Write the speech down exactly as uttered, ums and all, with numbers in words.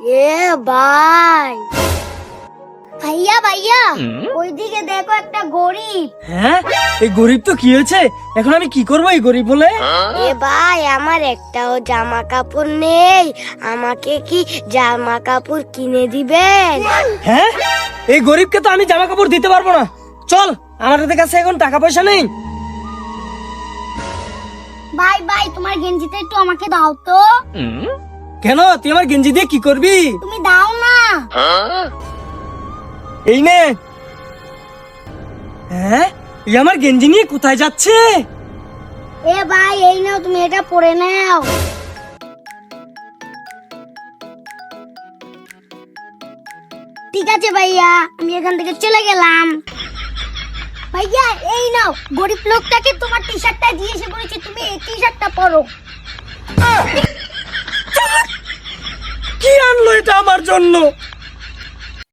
এ ভাই ভাইয়া ভাইয়া ওইদিকে দেখো একটা গরিব। হ্যাঁ, এই গরিব তো কি হয়েছে? এখন আমি কি করবো এই গরিব বলে? এ ভাই আমার একটাও জামা কাপড় নেই, আমাকে কি জামা কাপড় কিনে দিবেন? হ্যাঁ, এই গরিবকে তো আমি জামা কাপড় দিতে পারবো না। চল, আমাদের কাছে এখন টাকা পয়সা নেই। ভাই ভাই তোমার গেঞ্জিটা একটু আমাকে দাও তো। কেন, তুই আমার গেঞ্জি দিয়ে কি করবি? তুমি দাও না। এই নে। হ্যাঁ, এই আমার গেঞ্জি নিয়ে কোথায় যাচ্ছে? এ ভাই এই নাও, তুমি এটা পরে নাও। ঠিক আছে ভাইয়া, আমি এখান থেকে চলে গেলাম। ভাইয়া এই নাও, গরিব লোকটাকে তোমার টি শার্টটা দিয়ে এসে বলেছি, তুমি এই টি শার্টটা পরো। কি আনলো এটা আমার জন্য?